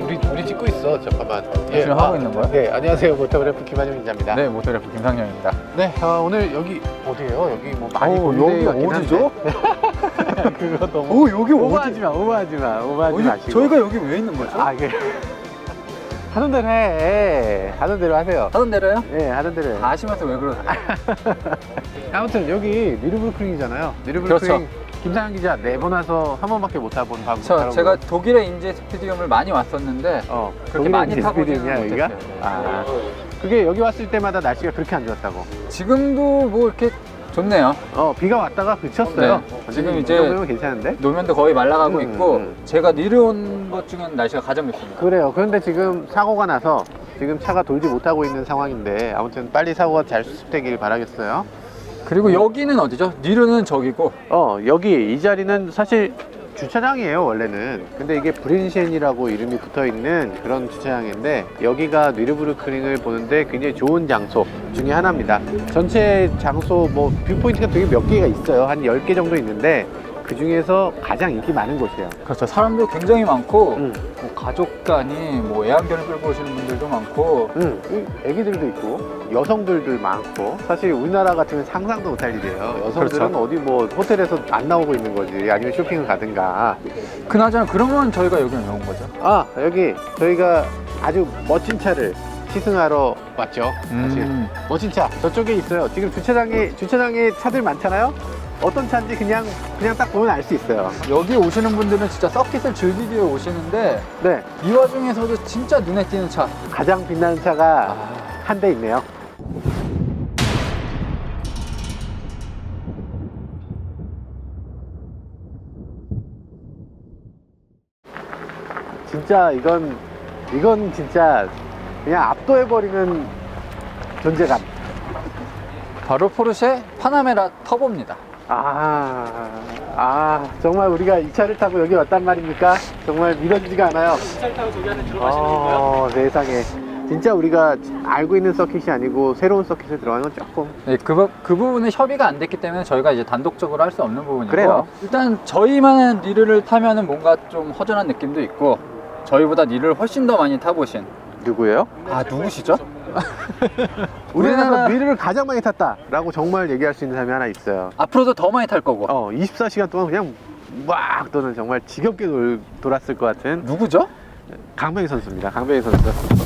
우리 찍고 있어. 잠깐만. 지금 하고 있는 거야? 네, 안녕하세요. 모터그래프 김한영 기자입니다. 네, 모터그래프 김상현입니다. 네, 오늘 여기 어디예요? 여기 뭐 많이 여기 고민돼 같긴 어디죠? 한데. 그거 너무. 여기 오버하지 마시고. 저희가 여기 왜 있는 거죠? 이게 하던 대로 해. 하던 대로 하세요. 하던 대로요? 네, 하던 대로 해. 다 하시면서 왜 그러세요? 아무튼 여기 니르부르크링이잖아요. 니르부르크링 그렇죠. 김상현 기자 4번 와서 한 번밖에 못 타본 방송. 제가 독일의 인제 스피디움을 많이 왔었는데 그렇게 많이 타보지는 여기가? 못했어요. 그게 여기 왔을 때마다 날씨가 그렇게 안 좋았다고. 지금도 뭐 이렇게 좋네요. 비가 왔다가 그쳤어요. 네. 지금 이제 보면 괜찮은데? 노면도 거의 말라가고 있고 음. 제가 내려온 것 중엔 날씨가 가장 좋습니다. 그래요. 그런데 지금 사고가 나서 지금 차가 돌지 못하고 있는 상황인데 아무튼 빨리 사고가 잘 수습되길 바라겠어요. 그리고 여기는 어디죠? 니르는 저기고 여기 이 자리는 사실 주차장이에요 원래는. 근데 이게 브린셴이라고 이름이 붙어있는 그런 주차장인데 여기가 니르부르크링을 보는데 굉장히 좋은 장소 중에 하나입니다. 전체 장소 뭐 뷰포인트가 되게 몇 개가 있어요. 한 10개 정도 있는데 그 중에서 가장 인기 많은 곳이에요. 그렇죠. 사람도 굉장히 많고 뭐 가족 간이 뭐 애완견을 끌고 오시는 분들도 많고 애기들도 있고 여성들도 많고 사실 우리나라 같으면 상상도 못할 일이에요. 여성들은 그렇죠. 어디 뭐 호텔에서 안 나오고 있는 거지 아니면 쇼핑을 가든가. 그나저나 그러면 저희가 여기 왜 온 거죠? 여기 저희가 아주 멋진 차를 시승하러 왔죠. 사실 멋진 차 저쪽에 있어요. 지금 주차장에 차들 많잖아요. 어떤 차인지 그냥 딱 보면 알 수 있어요. 여기 오시는 분들은 진짜 서킷을 즐기기 위해 오시는데 네, 이 와중에서도 진짜 눈에 띄는 차 가장 빛나는 차가 한 대 있네요. 진짜 이건 진짜 그냥 압도해버리는 존재감. 바로 포르쉐 파나메라 터보입니다. 정말 우리가 이 차를 타고 여기 왔단 말입니까? 정말 믿어지지가 않아요. 이 차를 타고 저기 안에 들어가시는 세상에. 진짜 우리가 알고 있는 서킷이 아니고 새로운 서킷에 들어가는 건 조금. 네, 그 부분은 협의가 안 됐기 때문에 저희가 이제 단독적으로 할 수 없는 부분이고 그래요. 일단 저희만의 니르를 타면은 뭔가 좀 허전한 느낌도 있고 저희보다 니르를 훨씬 더 많이 타보신 누구예요? 누구시죠? 우리나라 미르를 가장 많이 탔다라고 정말 얘기할 수 있는 사람이 하나 있어요. 앞으로도 더 많이 탈 거고 24시간 동안 그냥 막 또는 정말 지겹게 돌았을 것 같은 누구죠? 강병희 선수입니다. 강병희 선수.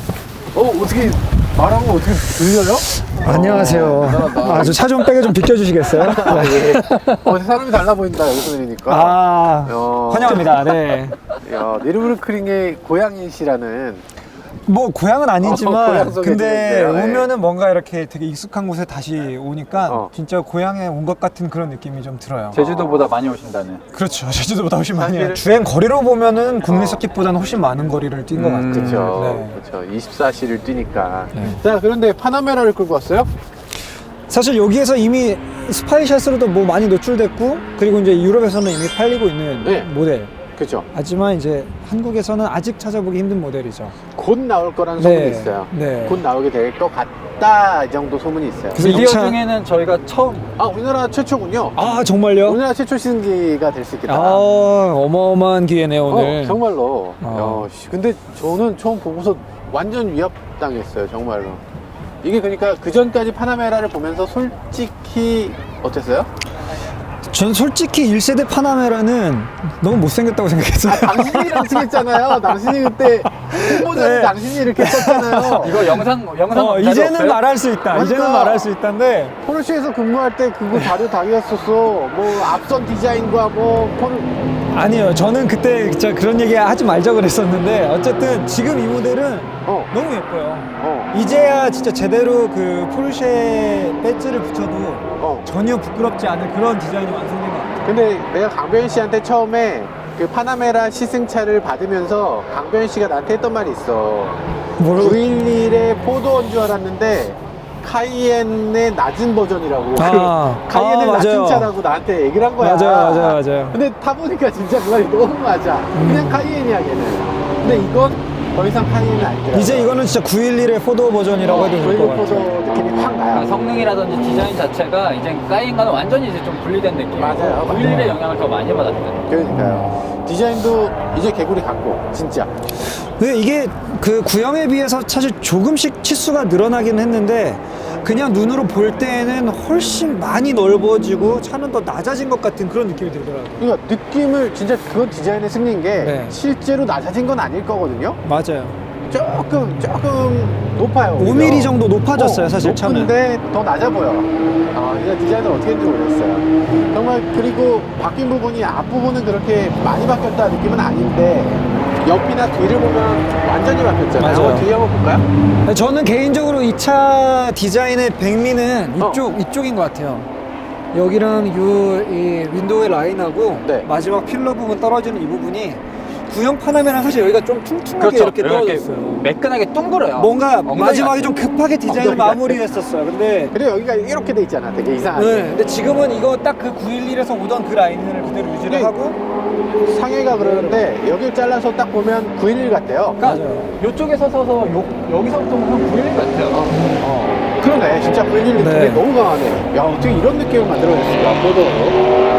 어떻게 말하는 거 어떻게 들려요? 안녕하세요. 저 차 좀 빼게 좀 비켜주시겠어요? 예. 사람이 달라 보인다 여기서 내리니까. 환영합니다. 네. 니르부르크링의 고양이시라는. 뭐 고향은 아니지만 고향 소개 근데 드릴게요. 네. 오면은 뭔가 이렇게 되게 익숙한 곳에 다시 오니까 진짜 고향에 온 것 같은 그런 느낌이 좀 들어요. 제주도보다 많이 오신다는. 그렇죠. 제주도보다 훨씬 많이 해요. 사실- 주행 거리로 보면은 국내 서킷보다는 훨씬 많은 거리를 뛴 것 같아요. 그렇죠. 네. 그렇죠. 24시를 뛰니까. 네. 자, 그런데 파나메라를 끌고 왔어요? 사실 여기에서 이미 스파이샷으로도 뭐 많이 노출됐고 그리고 이제 유럽에서는 이미 팔리고 있는 네. 모델. 그렇죠. 하지만 이제 한국에서는 아직 찾아보기 힘든 모델이죠. 곧 나올 거라는 소문이 네. 있어요. 네. 곧 나오게 될 것 같다 이 정도 소문이 있어요. 그래서 미디어 이 차- 중에는 저희가 처음 우리나라 최초군요. 정말요? 우리나라 최초 시승기가 될 수 있겠다. 어마어마한 기회네요 오늘. 정말로. 어. 근데 저는 처음 보고서 완전 위협당했어요. 정말로. 이게 그러니까 그 전까지 파나메라를 보면서 솔직히 어땠어요? 전 솔직히 1세대 파나메라는 너무 못생겼다고 생각했어요. 당신이랑 승했잖아요. 당신이 그때 후보자는 네. 당신이 이렇게 썼잖아요. 이거 영상 이제는 없어요? 말할 수 있다. 그러니까. 이제는 말할 수 있다인데 포르쉐에서 근무할 때 그거 자료 다 이었었어. 뭐 앞선 디자인과 아니요. 저는 그때 진짜 그런 얘기 하지 말자 그랬었는데 어쨌든 지금 이 모델은 너무 예뻐요. 이제야 진짜 제대로 그 포르쉐 배지를 붙여도 전혀 부끄럽지 않은 그런 디자인이 완성된 것 같아요. 근데 내가 강변 씨한테 처음에 그 파나메라 시승차를 받으면서 강변 씨가 나한테 했던 말이 있어. 뭐라고? 911의 포도원 줄 알았는데 카이엔의 낮은 버전이라고. 아. 카이엔의 아, 낮은 맞아요. 차라고 나한테 얘기를 한 거야. 맞아요. 근데 타보니까 진짜 그 말이 너무 맞아. 그냥 카이엔이야 걔는. 근데 이건 더 이상 카니는 아니더라고요. 이제 이거는 진짜 911의 4도어 버전이라고 해도 될 것 같아요. 포도 느낌이 확 나요. 그러니까 성능이라든지 디자인 자체가 이제 까인과는 완전히 이제 좀 분리된 느낌이고 맞아요. 911의 영향을 더 많이 받았거든요. 그러니까요. 디자인도 이제 개구리 같고 진짜. 근데 이게 그 구형에 비해서 사실 조금씩 치수가 늘어나긴 했는데 그냥 눈으로 볼 때에는 훨씬 많이 넓어지고 차는 더 낮아진 것 같은 그런 느낌이 들더라고요. 그러니까 느낌을 진짜 그건 디자인의 승리인 게 네. 실제로 낮아진 건 아닐 거거든요. 맞아요. 조금 높아요. 5mm 정도 높아졌어요, 사실 차는. 높은데 더 낮아 보여. 아, 이거 디자인을 어떻게 했는지 모르겠어요. 정말 그리고 바뀐 부분이 앞부분은 그렇게 많이 바뀌었다 느낌은 아닌데 옆이나 뒤를 보면 완전히 바뀌었잖아요. 맞아요. 뒤에 한번 볼까요? 저는 개인적으로 이 차 디자인의 백미는 이쪽인 것 같아요. 여기랑 이 윈도우의 라인하고 네. 마지막 필러 부분 떨어지는 이 부분이 구형 파나메랑 사실 여기가 좀 퉁퉁하게 이렇게 떨어졌어요. 매끈하게 둥그러요. 뭔가 엉덩이 마지막에 같아. 좀 급하게 디자인을 엉덩이 같아. 마무리했었어요. 근데 그래 여기가 이렇게 돼 있잖아. 되게 이상하게. 네, 근데 지금은 이거 딱 그 911에서 오던 그 라인을 그대로 유지를 네. 하고 상해가 그러는데 여길 잘라서 딱 보면 911 같대요. 그러니까 맞아요. 이쪽에서 서서 여기서부터 보면 911 같아요. 그러네. 진짜 911 느낌이 네. 너무 강하네. 야 어떻게 이런 느낌을 만들어냈을까. 포도로.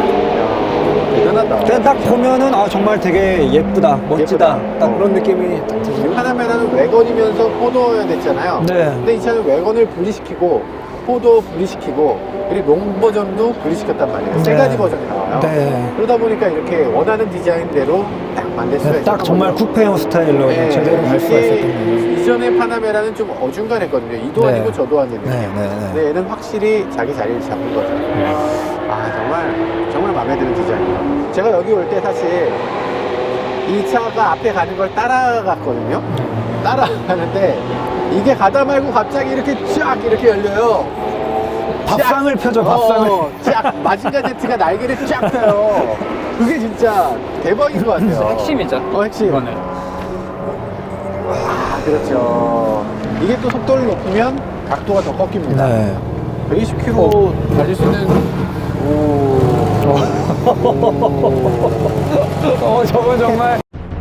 대단하다. 그냥 딱 보면은 아 정말 되게 예쁘다, 멋지다, 예쁘다. 딱 그런 느낌이 딱 들어요. 파나메라는 외건이면서 포도여야 됐잖아요. 네. 근데 이 차는 외건을 분리시키고 포도 분리시키고 그리고 롱 버전도 분리시켰단 말이에요. 세 네. 가지 버전이 나와요. 네. 그러다 보니까 이렇게 원하는 디자인대로 딱 만들 수가 네, 있어요. 딱 정말 쿠페형 스타일로 네. 제대로 갈 수가 이게 있었던 거예요. 이전의 파나메라는 좀 어중간했거든요. 이도 네. 아니고 저도 아닌 느낌. 네. 근데 얘는 확실히 자기 자리를 잡은 거죠. 아 정말 마음에 드는 디자인이에요. 제가 여기 올 때 사실 이 차가 앞에 가는 걸 따라갔거든요. 따라가는데 이게 가다 말고 갑자기 이렇게 쫙 이렇게 열려요. 밥상을 펴죠, 밥상을. 쫙 마징가 제트가 날개를 쫙 펴요. 그게 진짜 대박인 것 같아요. 핵심이죠. 핵심. 이거는. 아 그렇죠. 이게 또 속도를 높이면 각도가 더 꺾입니다. 네. 120km 달릴 수 있는 저건 정말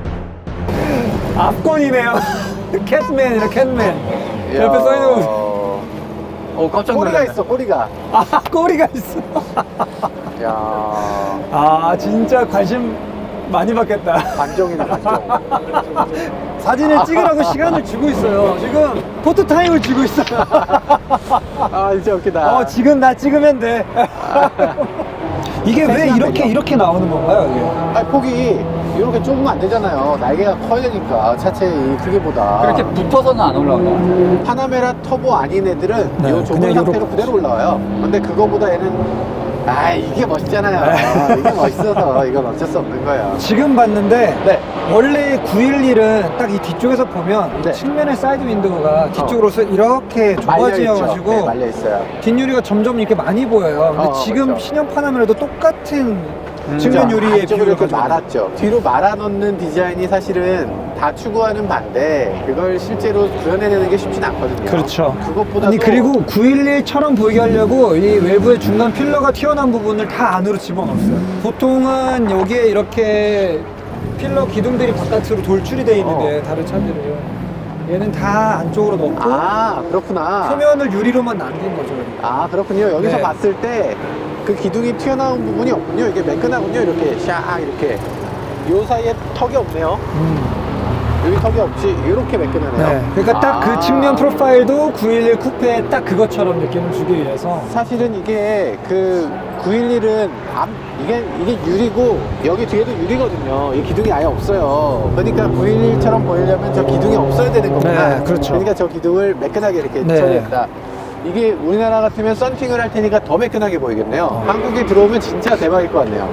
압권이네요. 캣맨이라 캣맨. 옆에 써있는 거. 깜짝 꼬리가 놀랐네. 있어 꼬리가. 아, 꼬리가 있어. 야 아, 진짜 관심 많이 받겠다. 관종이네 관종. 사진을 찍으라고 시간을 주고 있어요. 지금 포토타임을 주고 있어요. 아 진짜 웃기다. 지금 나 찍으면 돼. 이게 왜 이렇게 나오는 건가요, 이게? 아니 폭이 이렇게 좁으면 안 되잖아요. 날개가 커야 되니까 차체 이 크기보다. 그렇게 붙어서는 안 올라온다. 파나메라 터보 아닌 애들은 네, 이 좁은 그냥 상태로 그대로 올라와요. 근데 그거보다 얘는 이게 멋있잖아요. 이게 멋있어서 이건 어쩔 수 없는 거예요. 지금 봤는데 네. 원래 911은 딱 이 뒤쪽에서 보면 네. 측면의 사이드 윈도우가 뒤쪽으로서 이렇게 좁아지어가지고 네, 말려 있어요. 뒷유리가 점점 이렇게 많이 보여요. 근데 지금 그렇죠. 신형 파나메라도 똑같은 측면 유리의 안쪽으로 이렇게 비율을 말았죠. 뒤로 말아 넣는 디자인이 사실은 다 추구하는 반대 그걸 실제로 구현해내는 게 쉽진 않거든요. 그렇죠. 그것보다도 아니 그리고 911처럼 보이게 하려고 이 외부의 중간 필러가 튀어나온 부분을 다 안으로 집어넣었어요. 보통은 여기에 이렇게 필러 기둥들이 바깥으로 돌출이 돼 있는데 다른 차들은 얘는 다 안쪽으로 넣고 그렇구나. 표면을 유리로만 남긴 거죠. 그렇군요. 여기서 네. 봤을 때 그 기둥이 튀어나온 부분이 없군요. 이게 매끈하군요. 이렇게 샥 이렇게 요 사이에 턱이 없네요. 여기 턱이 없지. 이렇게 매끈하네요. 네. 그러니까 딱 그 측면 프로파일도 911 쿠페에 딱 그것처럼 느낌을 주기 위해서 사실은 이게 그 911은 이게 유리고 여기 뒤에도 유리거든요. 이 기둥이 아예 없어요. 그러니까 911처럼 보이려면 저 기둥이 없어야 되는 거구나. 네, 그렇죠. 그러니까 저 기둥을 매끈하게 이렇게 네. 처리했다. 이게 우리나라 같으면 썬팅을 할 테니까 더 매끈하게 보이겠네요. 한국에 들어오면 진짜 대박일 것 같네요.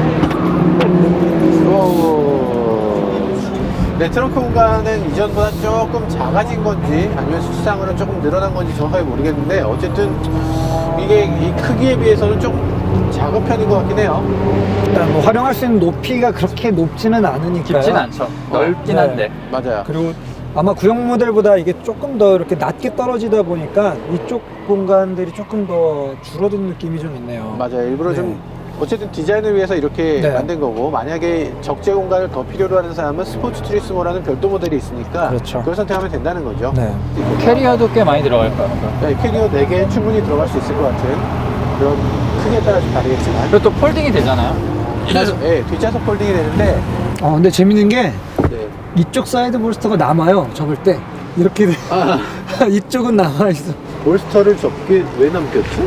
네, 트렁크 공간은 이전보다 조금 작아진 건지 아니면 수치상으로 조금 늘어난 건지 정확하게 모르겠는데 어쨌든 이게 이 크기에 비해서는 좀 작은 편인 것 같긴 해요. 일단 뭐 활용할 수 있는 높이가 그렇게 높지는 않으니까요. 깊진 않죠. 넓긴 네. 한데. 맞아요. 그리고 아마 구형 모델보다 이게 조금 더 이렇게 낮게 떨어지다 보니까 이쪽 공간들이 조금 더 줄어든 느낌이 좀 있네요. 맞아요. 일부러 네. 좀 어쨌든 디자인을 위해서 이렇게 네. 만든 거고, 만약에 적재 공간을 더 필요로 하는 사람은 스포츠 투리스모라는 별도 모델이 있으니까 그렇죠. 그걸 선택하면 된다는 거죠. 네. 캐리어도 꽤 많이 들어갈 거예요. 네, 캐리어 4개 충분히 들어갈 수 있을 것 같은 그런 크기에 따라 좀 다르겠지만. 그리고 또 폴딩이 되잖아요. 네, 뒷좌석 폴딩이 되는데, 근데 재밌는 게 네. 이쪽 사이드 볼스터가 남아요. 접을 때 이렇게 돼. 이쪽은 남아 있어. 볼스터를 접게 왜 남겼지?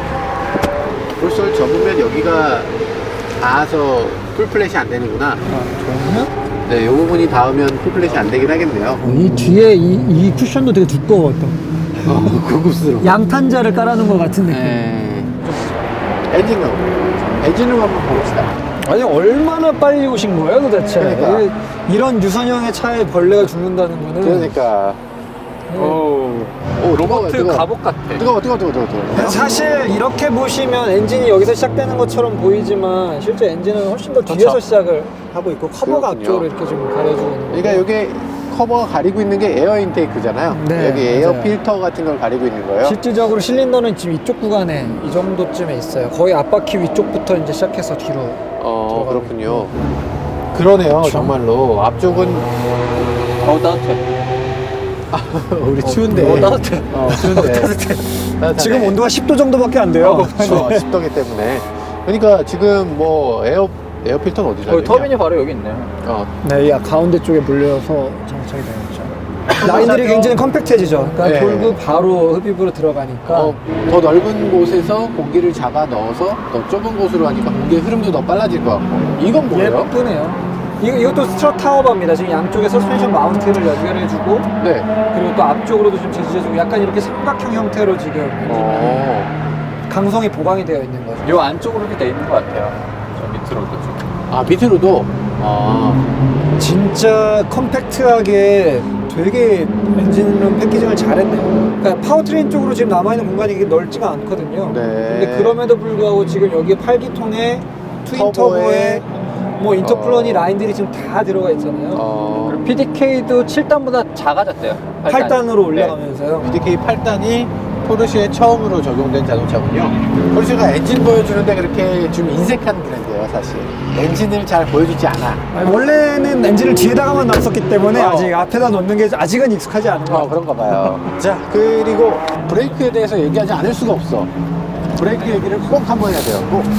볼스터를 접으면 여기가 닿아서 풀플랫이 안 되는구나. 그러면 네, 이 부분이 닿으면 풀플랫이 안 되긴 하겠네요. 이 뒤에 이 쿠션도 되게 두꺼워 또. 고급스러워. 양탄자를 깔아놓은 것 같은 느낌. 네. 엔진룸. 엔진룸 한번 봅시다. 아니 얼마나 빨리 오신 거예요 도대체? 그러니까. 이런 유선형의 차에 벌레가 죽는다는 거는. 그러니까. 오, 로버트 뜨거워. 갑옷 같아. 뜨거워. 사실 이렇게 보시면 엔진이 여기서 시작되는 것처럼 보이지만 실제 엔진은 훨씬 더 뒤에서 그렇죠. 시작을 하고 있고 커버가 그렇군요. 앞쪽으로 이렇게 좀 가려주고 있는 거예요. 그러니까 이게 커버가 가리고 있는 게 에어 인테이크잖아요. 네, 여기 에어 맞아요. 필터 같은 걸 가리고 있는 거예요. 실질적으로 실린더는 지금 이쪽 구간에 이 정도쯤에 있어요. 거의 앞바퀴 위쪽부터 이제 시작해서 뒤로. 그렇군요. 그러네요, 정말로. 앞쪽은 따뜻해. 우리 추운데. 따뜻해. 추운데. 지금 온도가 10도 정도밖에 안 돼요. 그렇죠. 습도기 때문에. 그러니까 지금 뭐 에어 필터는 어디 달려? 터빈이 바로 여기 있네요. 네, 이 가운데 쪽에 물려서 장착이 되었죠. 라인들이 굉장히 컴팩트해지죠. 그러니까 네. 돌고 바로 흡입으로 들어가니까. 더 넓은 곳에서 공기를 잡아 넣어서 더 좁은 곳으로 하니까 공기의 흐름도 더 빨라질 것 같고. 이건 뭐예요? 예쁘네요. 이것도 스트럿 타워바입니다. 지금 양쪽에 서스펜션 마운트를 연결해주고, 네. 그리고 또 앞쪽으로도 좀 제시해주고, 약간 이렇게 삼각형 형태로 지금 강성이 보강이 되어 있는 거죠. 요 안쪽으로 이렇게 돼 있는 것 같아요. 저 밑으로도 좀. 밑으로도. 진짜 컴팩트하게 되게 엔진룸 패키징을 잘했네요. 그러니까 파워트레인 쪽으로 지금 남아있는 공간이 이게 넓지가 않거든요. 네. 근데 그럼에도 불구하고 지금 여기에 8기통에 트윈 터보에 뭐 인터플러니 라인들이 지금 다 들어가 있잖아요. 그리고 PDK도 7단보다 작아졌대요. 8단으로 올라가면서요. PDK 8단이 포르쉐에 처음으로 적용된 자동차군요. 포르쉐가 엔진 보여주는데 그렇게 좀 인색한 브랜드예요, 사실. 엔진을 잘 보여주지 않아. 아니, 원래는 엔진을 뒤에다가만 놨었기 때문에 아직 앞에다 놓는 게 아직은 익숙하지 않은 것 같아요. 그런가 봐요. 자, 그리고 브레이크에 대해서 얘기하지 않을 수가 없어. 브레이크 얘기를 꼭 한번 해야 돼요. 꼭.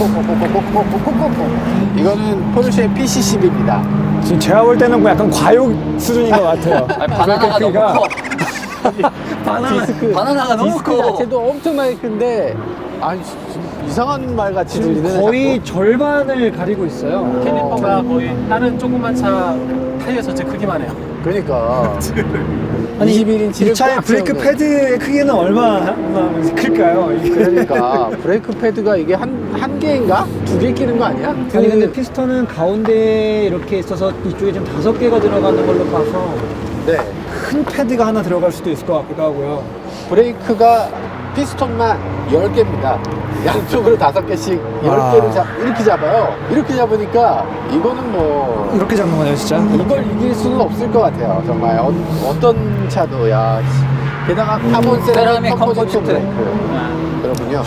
이거는 포르쉐 PC10입니다. 지금 제가 볼 때는 뭐 약간 과욕 수준인 것 같아요. 아니, 바나나가 너무 커. 바나나가 너무 디스크 커. 자체도 엄청나게 큰데, 아니, 이상한 말 같이 들리네. 거의 절반을 가리고 있어요. 캐니퍼가 거의 다른 조그만 차 타이어 전체 크기만 해요. 그러니까. 아니, 21인치를 이 차의 브레이크 패드의 크기는 얼마나 클까요? 그러니까 브레이크 패드가 이게 한 개인가? 2개 끼는 거 아니야? 아니 근데 피스톤은 가운데에 이렇게 있어서 이쪽에 지금 5개가 들어가는 걸로 봐서 네. 큰 패드가 하나 들어갈 수도 있을 것 같기도 하고요. 브레이크가 피스톤만 10개입니다. 양쪽으로 5개씩 10개를 이렇게 잡아요. 이렇게 잡으니까 이거는 뭐 이렇게 잡는 거네요 진짜. 이걸 이길 수는 없을 것 같아요. 정말 어떤 차도 야. 게다가 카본 세라믹 컴포지트 브레이크. 그렇군요.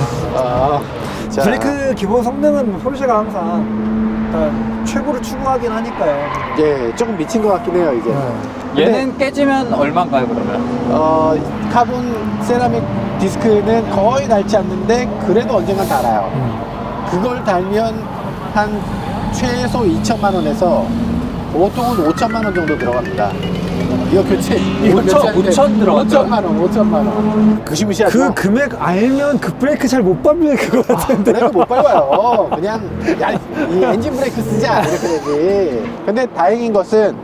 자. 브레이크 기본 성능은 뭐 포르쉐가 항상 최고를 추구하긴 하니까요. 예, 조금 미친 것 같긴 해요 이제. 얘는 깨지면 얼마인가요 그러면? 카본 세라믹 디스크는 거의 닳지 않는데 그래도 언젠간 닳아요. 그걸 달면 한 최소 2천만 원에서 보통은 5천만 원 정도 들어갑니다. 이거 교체 5천 들어갔죠? 5천만 원. 무시무시하죠? 그 금액 알면 그 브레이크 잘 못 밟을 것 같은데. 브레이크 못 밟아요. 그냥 야, 이 엔진 브레이크 쓰자 이렇게 되지. 근데 다행인 것은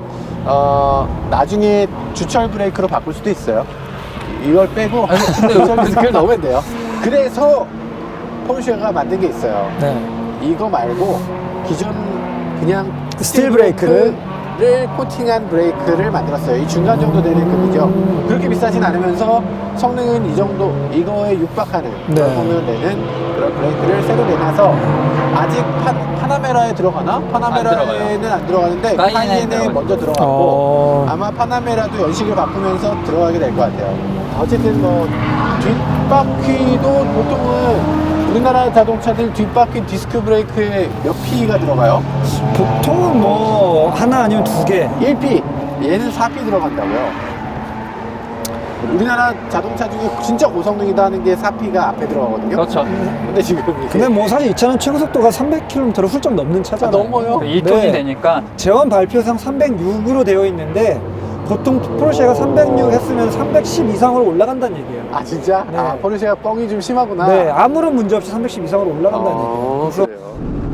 나중에 주철 브레이크로 바꿀 수도 있어요. 이걸 빼고 주철 브레이크를 넣으면 돼요. 그래서 포르쉐가 만든 게 있어요. 네. 이거 말고 기존 그냥 스틸 브레이크를 코팅한 브레이크를 만들었어요. 이 중간 정도 되는 급이죠. 그렇게 비싸진 않으면서 성능은 이 정도, 이거에 육박하는 그런 네. 성능을 내는 그런 브레이크를 새로 내놔서 아직 파나메라에 들어가나? 파나메라에는 안 들어가는데 카이엔에 먼저 들어갔고 아마 파나메라도 연식을 바꾸면서 들어가게 될 것 같아요. 어쨌든 뭐 뒷바퀴도 보통은 우리나라 자동차들 뒷바퀴 디스크 브레이크에 몇 P가 들어가요? 보통은 뭐 하나 아니면 두 개. 1P. 얘는 4P 들어간다고요. 우리나라 자동차 중에 진짜 고성능이다 하는 게 4P가 앞에 들어가거든요. 그렇죠. 근데 지금 이게 근데 뭐 사실 이 차는 최고 속도가 300km를 훌쩍 넘는 차잖아요. 넘어요? 2톤이 네. 되니까 제원 발표상 306으로 되어 있는데 보통 포르쉐가 306 했으면 310 이상으로 올라간다는 얘기예요. 아 진짜? 네. 아 포르쉐가 뻥이 좀 심하구나. 네, 아무런 문제 없이 310 이상으로 올라간다는 얘기예요. 그래서 그래요.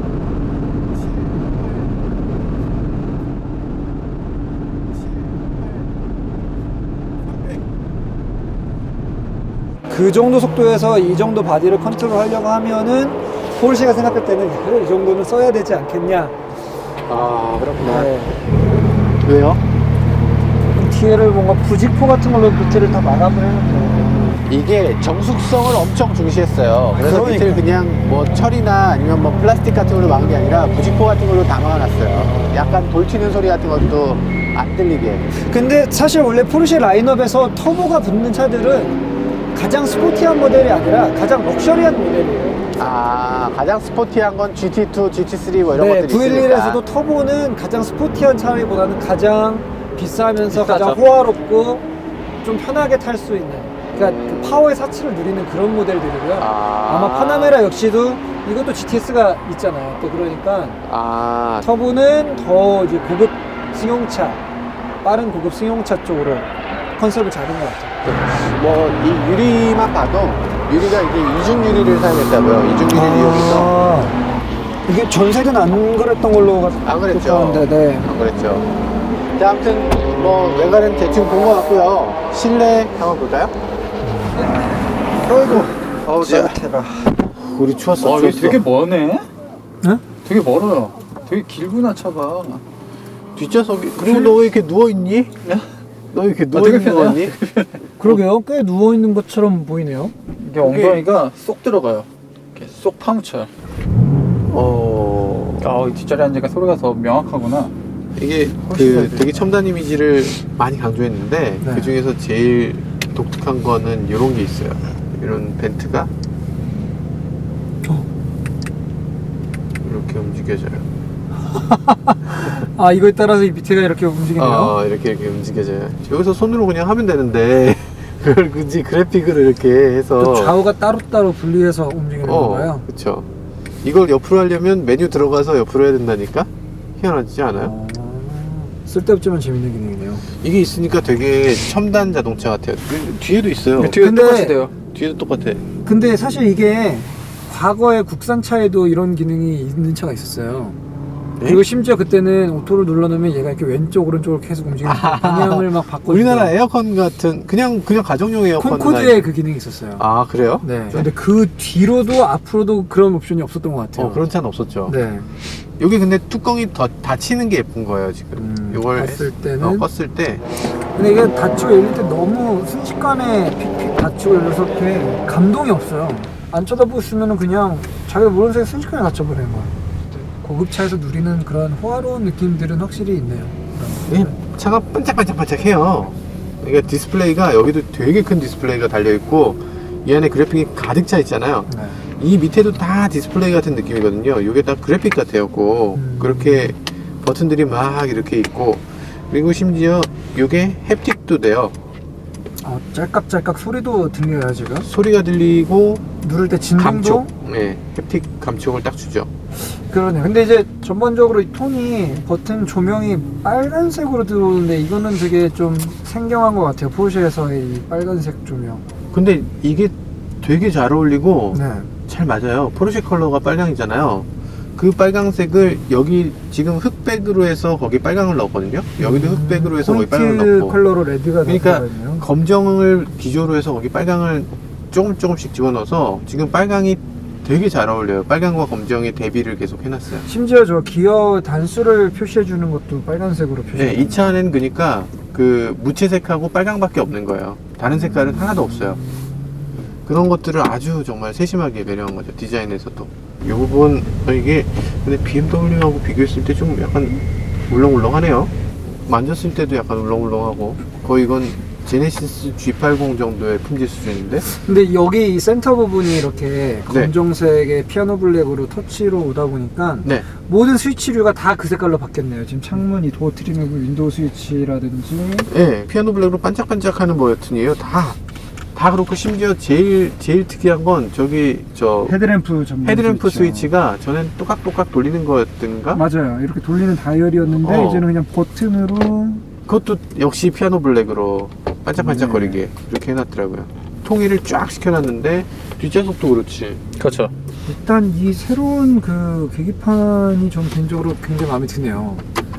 그 정도 속도에서 이 정도 바디를 컨트롤 하려고 하면은 포르쉐가 생각할 때는 그래, 이 정도는 써야 되지 않겠냐. 아 그렇구나. 네. 왜요? 뒤에를 뭔가 부직포 같은 걸로 밑에를 다 마감을 해놓고. 이게 정숙성을 엄청 중시했어요. 그래서 그러니까. 밑을 그냥 뭐 철이나 아니면 뭐 플라스틱 같은 걸로 막은 게 아니라 부직포 같은 걸로 다 막아놨어요. 약간 돌 튀는 소리 같은 것도 안 들리게. 근데 사실 원래 포르쉐 라인업에서 터보가 붙는 차들은 가장 스포티한 모델이 아니라 가장 럭셔리한 모델이에요. 아 가장 스포티한 건 GT2, GT3 뭐 이런 네, 것들이 있으니까. V11에서도 터보는 가장 스포티한 차라기보다는 가장 비싸면서 비싸죠. 가장 호화롭고 좀 편하게 탈 수 있는, 그러니까 그 파워의 사치를 누리는 그런 모델들이고요. 아마 파나메라 역시도 이것도 GTS가 있잖아요. 또 그러니까 아 터보는 더 이제 고급 승용차, 빠른 고급 승용차 쪽으로 컨셉을 잡은 것 같아요. 뭐 이 유리만 봐도 유리가 이게 이중 유리를 사용했다고요. 이중 유리를 이용해서. 이게 전세는 안 그랬던 걸로 안 그랬죠. 기억하는데, 네. 안 그랬죠. 자, 아무튼 뭐 외관은 대충 본 것 같고요. 실내 한번 볼까요? 어이구. 어우, 짜릿해라. 우리 추웠어. 와, 이거 추웠어. 되게 머네? 응? 되게 멀어요. 되게 길구나, 차가. 뒷좌석이. 그리고 너 왜 이렇게 누워 있니? 너 왜 이렇게 누워 되게 있는 거 편해요. 같니? 그러게요. 꽤 누워있는 것처럼 보이네요. 이게 엉덩이가 쏙 들어가요. 이렇게 쏙 파묻혀요. 이 뒷자리 앉으니까 소리가 더 명확하구나. 이게 훨씬 그 잘 되게 첨단 이미지를 많이 강조했는데 네. 그 중에서 제일 독특한 거는 이런 게 있어요. 이런 벤트가 이렇게 움직여져요. 아, 이거에 따라서 이 밑에가 이렇게 움직이네요. 이렇게 움직여져요. 여기서 손으로 그냥 하면 되는데 그걸 굳이 그래픽으로 이렇게 해서 또 좌우가 따로따로 분리해서 움직이는 건가요? 그렇죠. 이걸 옆으로 하려면 메뉴 들어가서 옆으로 해야 된다니까? 희한하지 않아요? 쓸데없지만 재밌는 기능이네요. 이게 있으니까 되게 첨단 자동차 같아요. 뒤에도 있어요. 뒤에 근데- 똑같이 돼요. 뒤에도 똑같아. 근데 사실 이게 과거에 국산차에도 이런 기능이 있는 차가 있었어요. 네? 그리고 심지어 그때는 오토를 눌러놓으면 얘가 이렇게 왼쪽 오른쪽으로 계속 움직이는 방향을 막 바꿔주고. 우리나라 에어컨 같은 그냥 가정용 에어컨 콘코드에 그 기능이 있었어요. 아 그래요? 네. 근데 그 뒤로도 앞으로도 그런 옵션이 없었던 것 같아요. 그런 차는 없었죠. 네. 여기 근데 뚜껑이 더 닫히는 게 예쁜 거예요 지금. 이걸 봤을 때는. 껐을 때 근데 이게 닫히고 열릴 때 너무 순식간에 픽픽 닫히고 열려서 이렇게 감동이 없어요. 안 쳐다보고 있으면 그냥 자기가 모르는 사이에 순식간에 닫혀버리는 거예요. 고급차에서 누리는 그런 호화로운 느낌들은 확실히 있네요. 이 차가 반짝반짝반짝해요. 그러니까 디스플레이가 여기도 되게 큰 디스플레이가 달려 있고 이 안에 그래픽이 가득 차 있잖아요. 네. 이 밑에도 다 디스플레이 같은 느낌이거든요. 이게 다 그래픽 같아요. 그렇게 버튼들이 막 이렇게 있고 그리고 심지어 이게 햅틱도 돼요. 짤깍짤깍 소리도 들려요 지금. 소리가 들리고 누를 때 진동도. 감촉, 네, 햅틱 감촉을 딱 주죠. 그러네. 근데 이제 전반적으로 이 톤이 버튼 조명이 빨간색으로 들어오는데 이거는 되게 좀 생경한 것 같아요. 포르쉐에서의 이 빨간색 조명. 근데 이게 되게 잘 어울리고 네. 잘 맞아요. 포르쉐 컬러가 빨강이잖아요. 그 빨강색을 여기 지금 흑백으로 해서 거기 빨강을 넣었거든요. 여기도 흑백으로 해서 거기 빨강을 포인트 넣고. 컬러로 레드가 그러니까 들어가 있네요. 검정을 기조로 해서 거기 빨강을 조금씩 집어넣어서 지금 빨강이 되게 잘 어울려요. 빨강과 검정의 대비를 계속 해놨어요. 심지어 저 기어 단수를 표시해 주는 것도 빨간색으로 표시해. 네, 이 차는 그러니까 그 무채색하고 빨강밖에 없는 거예요. 다른 색깔은 하나도 없어요. 그런 것들을 아주 정말 세심하게 배려한 거죠. 디자인에서도. 이 부분 이게 근데 BMW하고 비교했을 때 좀 약간 울렁울렁하네요. 만졌을 때도 약간 울렁울렁하고 거의 이건 제네시스 G80 정도의 품질 수준인데? 근데 여기 이 센터 부분이 이렇게 네. 검정색의 피아노 블랙으로 터치로 오다 보니까 네. 모든 스위치류가 다 그 색깔로 바뀌었네요. 지금 창문이 도어 트리밍, 윈도우 스위치라든지. 네, 피아노 블랙으로 반짝반짝하는 버튼이에요. 다 그렇고 심지어 제일 특이한 건 저기 헤드램프 전문 헤드램프 스위치요. 스위치가 전엔 또각또각 돌리는 거였던가? 맞아요. 이렇게 돌리는 다이얼이었는데 이제는 그냥 버튼으로. 그것도 역시 피아노 블랙으로 반짝반짝거리게 네. 이렇게 해놨더라고요. 통일을 쫙 시켜놨는데 뒷좌석도 그렇지. 그렇죠. 일단 이 새로운 그 계기판이 좀 개인적으로 굉장히 마음에 드네요.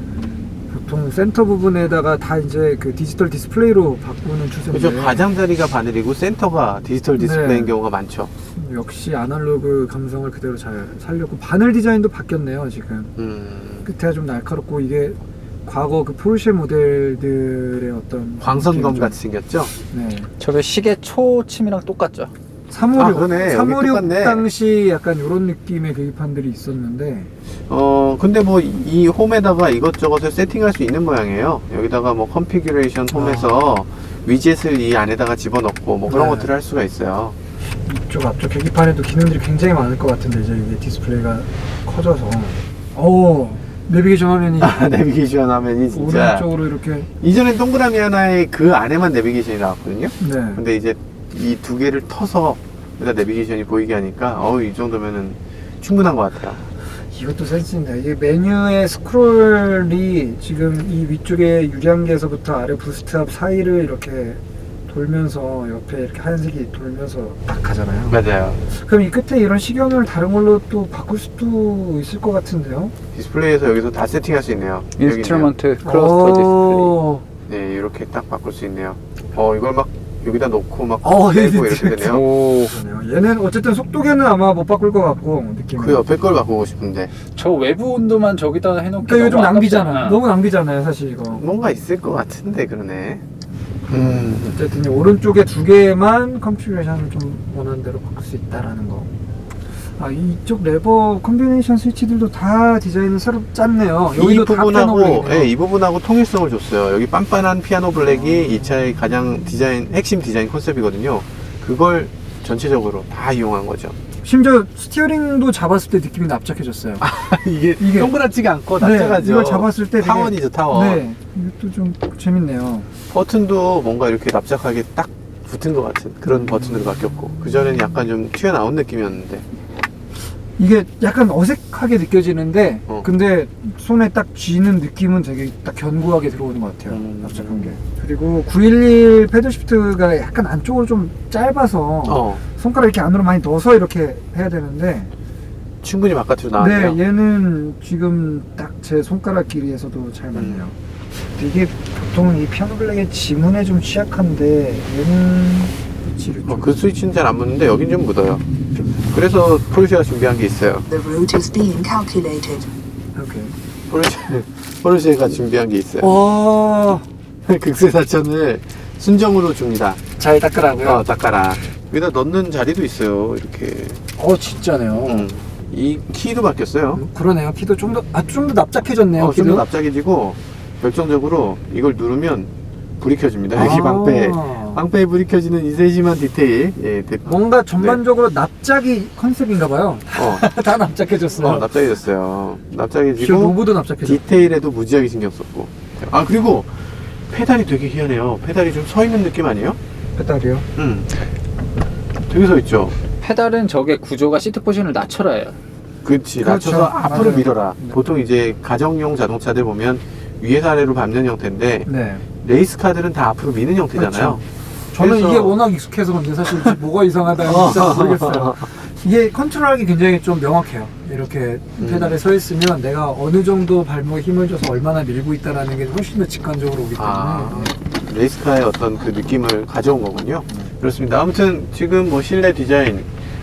보통 센터 부분에다가 다 이제 그 디지털 디스플레이로 바꾸는 추세인데. 그죠. 가장자리가 바늘이고 센터가 디지털 디스플레이인 네. 경우가 많죠. 역시 아날로그 감성을 그대로 잘 살렸고, 바늘 디자인도 바뀌었네요. 지금 끝에가 좀 날카롭고, 이게 과거 그 포르쉐 모델들의 어떤 광선검 좀- 같이 생겼죠. 네. 저게 시계 초침이랑 똑같죠. 356, 그러네. 여기 356 똑같네. 당시 약간 이런 느낌의 계기판들이 있었는데. 근데 뭐 이 홈에다가 이것저것을 세팅할 수 있는 모양이에요. 여기다가 뭐 컨피규레이션 홈에서 위젯을 이 안에다가 집어넣고 뭐 그런 네. 것들을 할 수가 있어요. 이쪽 앞쪽 계기판에도 기능들이 굉장히 많을 것 같은데, 이제 이게 디스플레이가 커져서. 오, 내비게이션 화면이 내비게이션 화면이 진짜 오른쪽으로 이렇게. 이전엔 동그라미 하나에 그 안에만 내비게이션이 나왔거든요. 네. 근데 이제 이 두 개를 터서 여기다 내비게이션이 보이게 하니까 이 정도면은 충분한 것 같아요. 이것도 센스입니다. 이게 메뉴의 스크롤이 지금 이 위쪽에 유량계에서부터 아래 부스트업 사이를 이렇게 돌면서 옆에 이렇게 하얀색이 돌면서 딱 가잖아요. 맞아요. 그럼 이 끝에 이런 식용유를 다른 걸로 또 바꿀 수도 있을 것 같은데요? 디스플레이에서 여기서 다 세팅할 수 있네요. 인스트루먼트 클러스터 디스플레이. 오, 네, 이렇게 딱 바꿀 수 있네요. 이걸 막 여기다 놓고 막 네, 빼고 이렇게 되네요. 오, 그러네요. 얘는 어쨌든 속도계는 아마 못 바꿀 것 같고, 느낌은. 그 옆에 걸 바꾸고 싶은데 저 외부 온도만 저기다 해놓기 그러니까 이거 좀 너무 낭비잖아. 아깝잖아. 너무 낭비잖아요, 사실 이거. 뭔가 있을 것 같은데 그러네. 어쨌든 이 오른쪽에 두 개만 컨피그레이션을 좀 원하는 대로 바꿀 수 있다라는 거. 이쪽 레버 콤비네이션 스위치들도 다 디자인을 새로 짰네요. 여기도 다 피아노 블랙이네요. 이 부분하고 통일성을 줬어요. 여기 빤빤한 피아노 블랙이 이 차의 가장 핵심 디자인 컨셉이거든요. 그걸 전체적으로 다 이용한 거죠. 심지어 스티어링도 잡았을 때 느낌이 납작해졌어요. 이게 동그랗지가 않고 납작하죠. 네, 이걸 잡았을 때 되게- 타원이죠, 타원. 네, 이것도 좀 재밌네요. 버튼도 뭔가 이렇게 납작하게 딱 붙은 것 같은 그런 버튼으로 바뀌었고, 그전에는 약간 좀 튀어나온 느낌이었는데. 이게 약간 어색하게 느껴지는데 근데 손에 딱 쥐는 느낌은 되게 딱 견고하게 들어오는 것 같아요. 납작한 게. 그리고 911 패들 시프트가 약간 안쪽으로 좀 짧아서 손가락 이렇게 안으로 많이 넣어서 이렇게 해야 되는데, 충분히 바깥으로 나왔네요. 네, 얘는 지금 딱 제 손가락 길이에서도 잘 맞네요. 이게 보통 이 피아노 블랙의 지문에 좀 취약한데, 얘는 그 스위치는 잘 안 묻는데 여긴 좀 묻어요. 그래서 포르쉐가 준비한 게 있어요. The route is being calculated. 오케이. 포르쉐가 준비한 게 있어요. 와, 극세사천을 순정으로 줍니다. 잘 닦으라고요? 닦아라. 여기다 넣는 자리도 있어요. 이렇게. 진짜네요. 이 키도 바뀌었어요. 그러네요. 키도 좀 더 납작해졌네요. 좀 키도. 더 납작해지고, 결정적으로 이걸 누르면 불이 켜집니다. 여기 방패에 불이 켜지는 이 세심한 디테일. 뭔가 전반적으로 납작이 컨셉인가봐요. 다 납작해졌어요. 납작해졌어요. 저 납작해지고, 로고도 납작해졌어요. 디테일에도 무지하게 신경 썼고. 그리고 페달이 되게 희한해요. 페달이 좀 서 있는 느낌 아니에요? 페달이요? 되게 서 있죠. 페달은 저게 구조가 시트 포지션을 낮춰라 해요. 그렇지. 그렇죠. 낮춰서 앞으로 맞아요. 밀어라. 네. 보통 이제 가정용 자동차들 보면 위에서 아래로 밟는 형태인데, 네. 레이스카들은 다 앞으로 미는 형태잖아요. 저는 그래서- 이게 워낙 익숙해서 근데 사실 뭐가 이상하다는 진짜 모르겠어요. 이게 컨트롤하기 굉장히 좀 명확해요. 이렇게 페달에 서 있으면 내가 어느 정도 발목에 힘을 줘서 얼마나 밀고 있다는 게 훨씬 더 직관적으로 오기 때문에. 레이스카의 어떤 그 느낌을 가져온 거군요. 그렇습니다. 아무튼 지금 뭐 실내 디자인,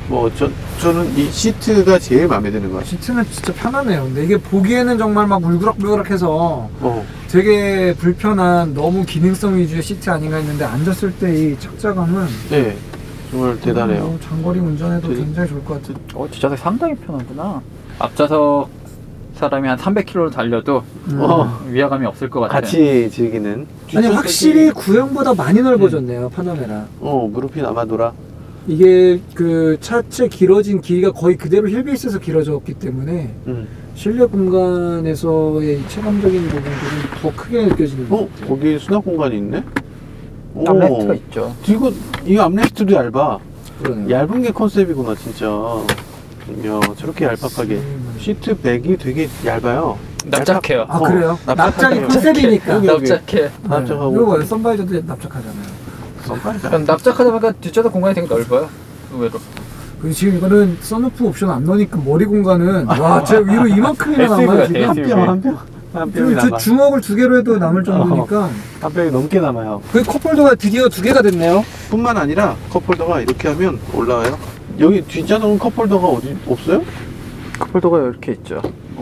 저는 이 시트가 제일 마음에 드는 것 같아요. 시트는 진짜 편하네요. 근데 이게 보기에는 정말 막 울그락불그락해서 되게 불편한 너무 기능성 위주의 시트 아닌가 했는데, 앉았을 때 이 착자감은 네, 정말 대단해요. 장거리 운전에도 되게- 굉장히 좋을 것 같아요. 뒷좌석 상당히 편하구나. 앞좌석 사람이 한 300km 달려도 위화감이 없을 것 같아요. 같이 즐기는. 아니 확실히 구형보다 많이 넓어졌네요 파나메라. 무릎이 남아돌아. 이게 그 차체 길어진 길이가 거의 그대로 휠베이스에서 길어졌기 때문에 실내 공간에서의 이 체감적인 부분들은 더 크게 느껴지는 것 같아요. 거기 수납 공간이 있네? 암레스트가 있죠. 이거 암레스트도 얇아. 그러네요. 얇은 게 컨셉이구나, 진짜. 야, 저렇게 얄팍하게. 시트백이 되게 얇아요. 납작해요. 아 그래요? 납작이 납작해요. 컨셉이니까. 여기. 납작해. 납작하고. 이거 봐요. 썬바이저도 납작하잖아요. 그럼 납작하다 보니까 뒷좌석 공간이 되게 넓어요. 의외로. 그리고 지금 이거는 썬루프 옵션 안 넣으니까 머리 공간은 와, 제 위로 이만큼이나 남아요 지금. SUV. 한 뼘이 그리고 저 남아. 주먹을 2개로 해도 남을 정도니까. 한 뼘이 넘게 남아요. 그 컵홀더가 드디어 2개가 됐네요. 뿐만 아니라 컵홀더가 이렇게 하면 올라와요. 여기 뒷좌석은 컵홀더가 어디 없어요? 컵홀더가 이렇게 있죠.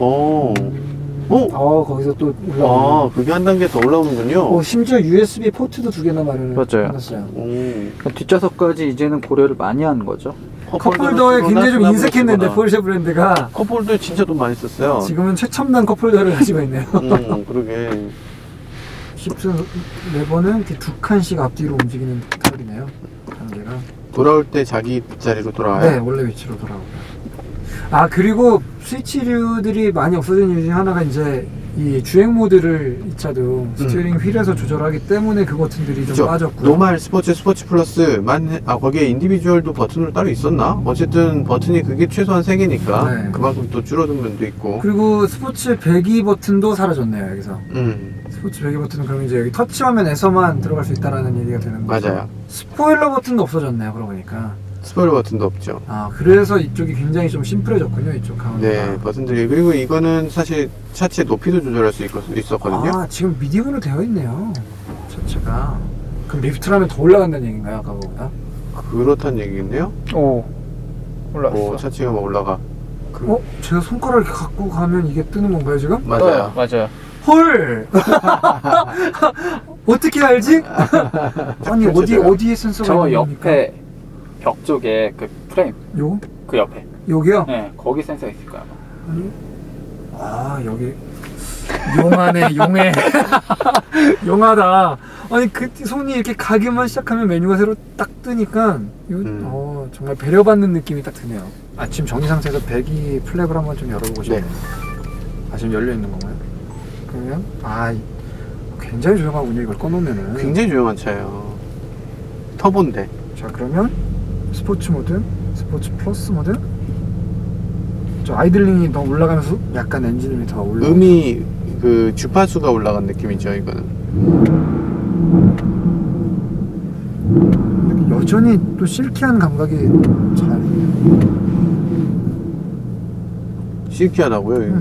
거기서 또 올라오네. 그게 한 단계 더 올라오는군요. 심지어 USB 포트도 2개나 마련을 맞아요. 해놨어요. 뒷좌석까지 이제는 고려를 많이 하는 거죠. 컵홀더에 굉장히 좀 인색했는데 포르쉐 브랜드가 컵홀더에 진짜 돈 많이 썼어요. 지금은 최첨단 컵홀더를 가지고 있네요. 그러게. 힙스 레버는 이렇게 2칸씩 앞뒤로 움직이는 탑이네요. 단계가. 돌아올 때 자기 자리로 돌아와요. 네, 원래 위치로 돌아오고요. 그리고 스위치류들이 많이 없어진 이유 중에 하나가 이제 이 주행 모드를 이 차도 스티어링 휠에서 조절하기 때문에 그 버튼들이 좀 그쵸? 빠졌고요. 노말, 스포츠 플러스만 거기에 인디비주얼도 버튼으로 따로 있었나? 어쨌든 버튼이 그게 최소한 3개니까 네. 그만큼 또 줄어든 면도 있고. 그리고 스포츠 배기 버튼도 사라졌네요, 여기서. 스포츠 배기 버튼은 그러면 이제 여기 터치화면에서만 들어갈 수 있다라는 얘기가 되는 거죠. 맞아요. 스포일러 버튼도 없어졌네요, 그러고 보니까. 스포일러 버튼도 없죠. 그래서 이쪽이 굉장히 좀 심플해졌군요, 이쪽 가운데가. 네, 버튼들이. 그리고 이거는 사실 차체 높이도 조절할 수 있었거든요. 지금 미디움으로 되어 있네요, 차체가. 그럼 리프트를 하면 더 올라간다는 얘기인가요, 아까 보다? 그렇다는 얘기겠네요. 올라왔어. 차체가 막 올라가. 제가 손가락을 이렇게 갖고 가면 이게 뜨는 건가요, 지금? 맞아요. 맞아요. 헐! 어떻게 알지? 아니, 어디에 센서가 저 있는 겁니까? 옆에 벽 쪽에 그 프레임, 요? 그 옆에. 여기요? 네, 거기 센서가 있을 거야. 아니, 여기. 용하네, 용해. 용하다. 아니, 그 손이 이렇게 가기만 시작하면 메뉴가 새로 딱 뜨니까, 이거, 정말 배려받는 느낌이 딱 드네요. 지금 정리 상태에서 배기 플랩을 한번 좀 열어보고 싶네요. 지금 열려있는 건가요? 그러면, 굉장히 조용하군요, 이걸 꺼놓으면은. 굉장히 조용한 차예요. 터보인데. 자, 그러면 스포츠 모드, 스포츠 플러스 모드. 저 아이들링이 더 올라가면서 약간 엔진음이 더 올라. 그 주파수가 올라간 느낌이죠, 이거는. 여전히 또 실키한 감각이 잘. 시크하다고요?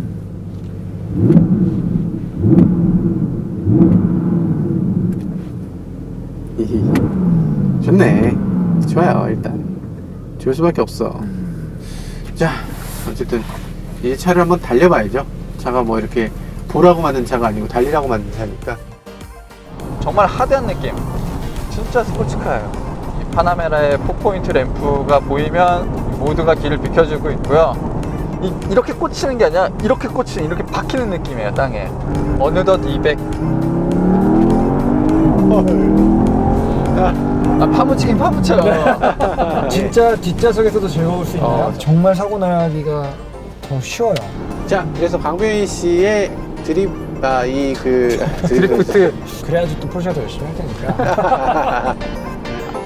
좋네. 좋아요, 일단. 좋을 수밖에 없어. 자, 어쨌든 이 차를 한번 달려봐야죠. 차가 뭐 이렇게 보라고 만든 차가 아니고 달리라고 만든 차니까. 정말 하드한 느낌. 진짜 스포츠카예요. 이 파나메라의 4포인트 램프가 보이면 모두가 길을 비켜주고 있고요. 이렇게 꽂히는 게 아니라 이렇게 꽂히는, 이렇게 박히는 느낌이에요, 땅에. 어느덧 200. 파묻히긴 파묻혀요. 진짜 뒷좌석에서도 즐거울 수 있네요. 정말 사고 나기가 더 쉬워요. 자, 그래서 강병희 씨의 드리프트. 그래야지 또 포르쉐가 더 열심히 할 테니까.